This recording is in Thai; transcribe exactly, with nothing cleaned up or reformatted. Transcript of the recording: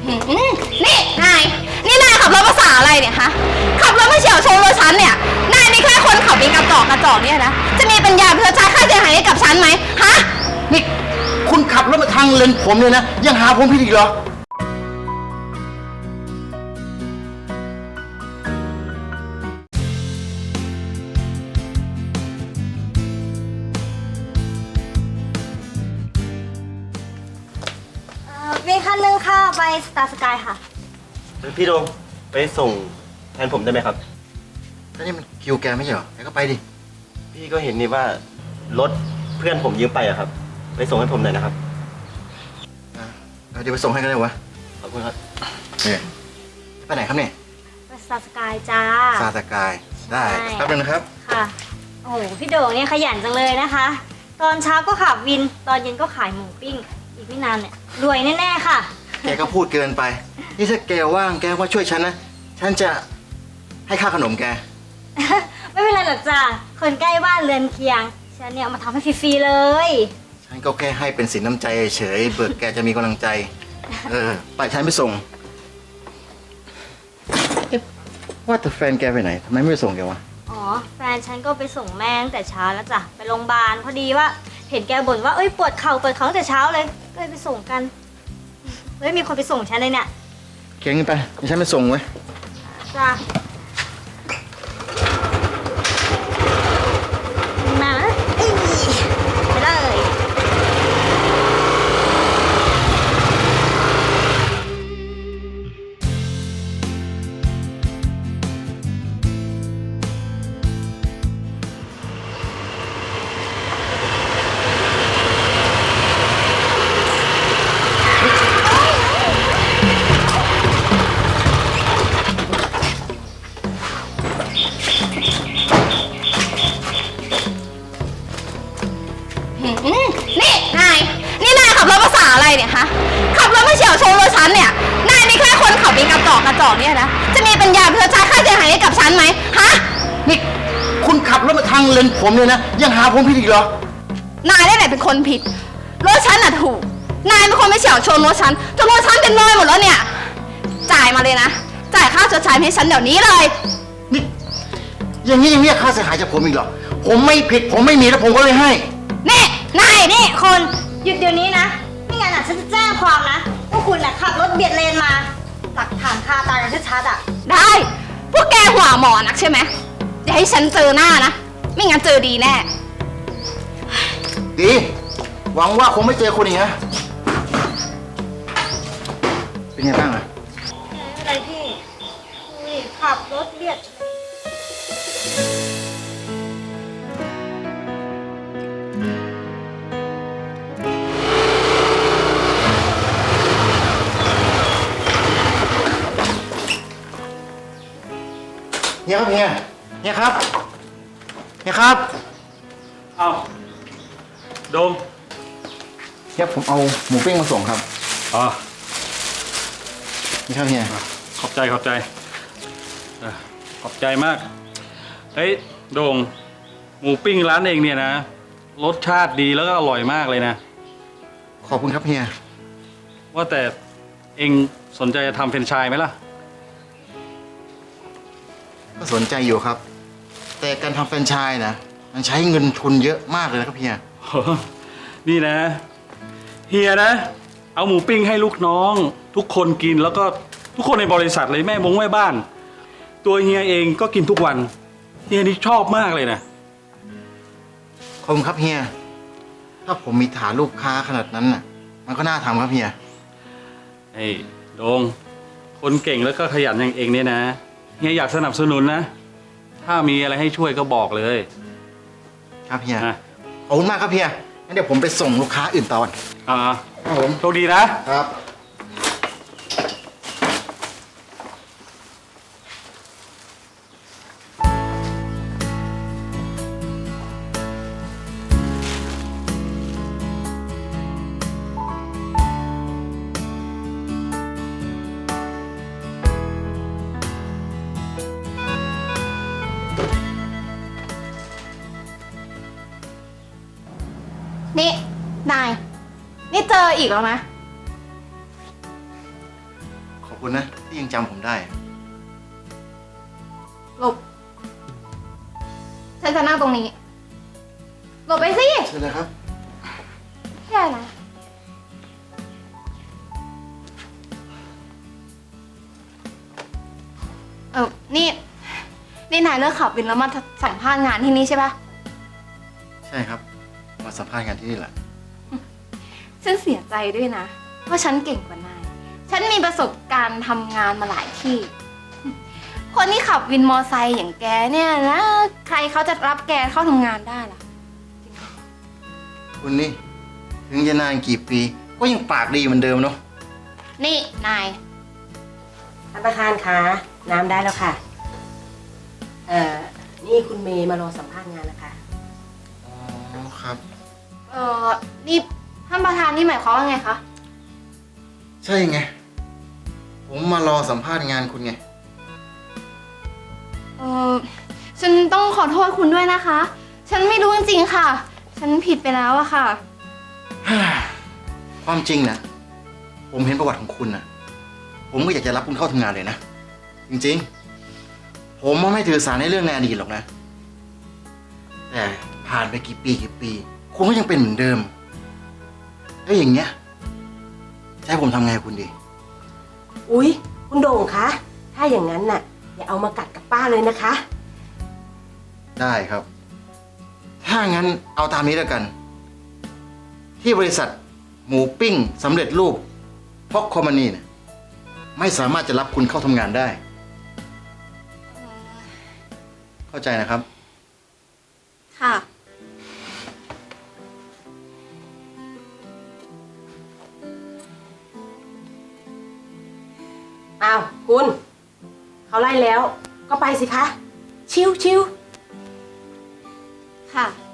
นี่นายนี่นายขับรถภาษาอะไรเนี่ยฮะขับรถมาเฉี่ยวชนรถฉันเนี่ยนายนี่แค่คนขับเป็นกระจอกกระจอกเนี่ยนะจะมีปัญญาเพื่อจ่ายค่าเสียหายให้กับฉันไหมฮะนี่คุณขับรถมาทางเลนผมเลยนะยังหาผมผิดอีกเหรอมีคันหนึ่งค่ะไปสตาร์สกายค่ะพี่โดงไปส่งแทนผมได้ไหมครับแล้วนี่มันคิวแกไม่ใช่เหรอแกก็ไปดิพี่ก็เห็นนี่ว่ารถเพื่อนผมยืมไปอะครับไปส่งให้ผมหน่อยนะครับเดี๋ยวไปส่งให้กันเลยวะขอบคุณครับเนี่ยไปไหนครับเนี่ยไปสตาร์สกายจ้าสตาร์สกายได้แป๊บนึงนะครับค่ะโอ้โหพี่โด่งเนี่ยขยันจังเลยนะคะตอนเช้าก็ขับวินตอนเย็นก็ขายหมูปิ้งอีกไม่นานเนี่ยรวยแน่ๆค่ะแกก็พูดเกินไปนี่ถ้าแกว่างแกว่าช่วยฉันนะฉันจะให้ค่าขนมแกไม่เป็นไรหรอกจ้าคนใกล้บ้านเรือนเคียงฉันเนี่ยมาทำให้ฟรีๆเลยฉันก็แค่ให้เป็นสินน้ำใจเฉยเบิกแกจะมีกำลังใจเออไปฉันไปส่งว่าแต่แฟนแกไปไหนทำไมไม่ไปส่งแกวะอ๋อแฟนฉันก็ไปส่งแม่ตั้งแต่เช้าแล้วจ้ะไปโรงพยาบาลพอดีว่าเห็นแกบ่นว่าเอ้ยปวดเข่าปวดเข่าตั้งแต่เช้าเลยก็เลยไปส่งกันเฮ้ยมีคนไปส่งฉันเลยเนี่ยเก่งไปเดี๋ยวฉันไปส่งไว้จ้ะมาไปเลยนี่นายนี่นายขับรถภาษาอะไรเนี่ยฮะขับรถมาเฉี่ยวชนรถฉันเนี่ยนายนี่แค่คนขับเป็นกระจอกกระจอกเนี่ยนะจะมีปัญญาเพื่อจ่ายค่าเสียหายให้กับฉันไหมฮะนี่คุณขับรถมาทางเลนผมเลยนะยังหาผมผิดอีกเหรอนายได้ไหนเป็นคนผิดรถฉันน่ะถูกนายเป็นคนไปเฉี่ยวชนรถฉันจนรถฉันเป็นรอยหมดแล้วเนี่ยจ่ายมาเลยนะจ่ายค่าชดใช้ให้ฉันเดี๋ยวนี้เลยนี่อย่างนี้ยังเรียกค่าเสียหายจากผมอีกเหรอผมไม่ผิดผมไม่มีแล้วผมก็เลยให้นี่นายนี่คนหยุดเดี๋ยวนี้นะไม่งั้นอ่ะฉันจะแจ้งความนะว่าคุณน่ะขับรถเบียดเลนมาหลักฐานคาตาอย่างชัดๆอ่ะได้พวกแกหัวหมอนักใช่ไหมอย่าให้ฉันเจอหน้านะไม่งั้นเจอดีแน่ดีหวังว่าคงไม่เจอคนอีกนะเป็นไงบ้างอะอะไรพี่อุ้ยขับรถเบียดเฮียครับเฮียเฮียครับเฮียครับเอาโดมเฮียผมเอาหมูปิ้งมาส่งครับอ๋อนี่ครับเฮียขอบใจขอบใจขอบใจมากเฮ้ยโดงหมูปิ้งร้านเองเนี่ยนะรสชาติดีแล้วก็อร่อยมากเลยนะขอบคุณครับเฮียว่าแต่เองสนใจจะทำแฟรนไชส์ไหมล่ะก็สนใจอยู่ครับแต่การทำแฟรนไชส์นะมันใช้เงินทุนเยอะมากเลยนะครับเฮียนี่นะเฮียนะเอาหมูปิ้งให้ลูกน้องทุกคนกินแล้วก็ทุกคนในบริษัทเลยแม่บงแม่บ้านตัวเฮียเองก็กินทุกวันเฮียนี่ชอบมากเลยนะขอบคุณครับเฮียถ้าผมมีฐานลูกค้าขนาดนั้นน่ะมันก็น่าทำครับเฮียไอ้โดงคนเก่งแล้วก็ขยันอย่างเองเนี่ยนะเฮียอยากสนับสนุนนะถ้ามีอะไรให้ช่วยก็บอกเลยครับเฮียขอบคุณมากครับเฮียงั้นเดี๋ยวผมไปส่งลูกค้าอื่นต่ออ่าครับผมโชคดีนะครับนี่นายนี่เจออีกแล้วนะขอบคุณนะที่ยังจำผมได้หลบ ฉันจะนั่งตรงนี้ หลบไปสิเชิญเลยครับแค่นะเออนี่ นี่นายเลิกขับวินแล้วมาสัมภาษณ์งานที่นี่ใช่ปะใช่ครับ มาสัมภาษณ์งานที่นี่แหละฉันเสียใจด้วยนะว่าฉันเก่งกว่านาย ฉันมีประสบการณ์ทำงานมาหลายที่ คนที่ขับวินมอไซค์อย่างแกเนี่ยนะ ใครเขาจะรับแกเข้าทำงานได้ล่ะคุณนี่ ถึงจะนานกี่ปี ก็ยังปากดีเหมือนเดิมเนาะนี่นายท่านประธานคะน้ำได้แล้วค่ะ เอ่อ นี่คุณเมย์มารอสัมภาษณ์งานนะคะอ๋อครับเออนี่ท่านประธานนี่หมายความว่าไงคะใช่ไง ผมมารอสัมภาษณ์งานคุณไงเออฉันต้องขอโทษคุณด้วยนะคะ ฉันไม่รู้จริงๆค่ะ ฉันผิดไปแล้วอะค่ะความจริงนะ ผมเห็นประวัติของคุณนะผมก็อยากจะรับคุณเข้าทำงานเลยนะ จริงๆ ผมไม่ถือสาในเรื่องในอดีตหรอกนะ แต่ผ่านไปกี่ปีกี่ปี คุณก็ยังเป็นเหมือนเดิม แล้วอย่างเงี้ยจะให้ผมทำไงกับคุณดีอุ๊ย คุณโด่งคะ ถ้าอย่างนั้นน่ะ อย่าเอามากัดกับป้าเลยนะคะได้ครับ ถ้างั้นเอาตามนี้แล้วกัน ที่บริษัทหมูปิ้งสำเร็จรูปพ็อกคอมมานีเนี่ยไม่สามารถจะรับคุณเข้าทำงานได้ เข้าใจนะครับค่ะอ้าว คุณ เขาไล่แล้ว ก็ไปสิคะ ชิวชิวค่ะ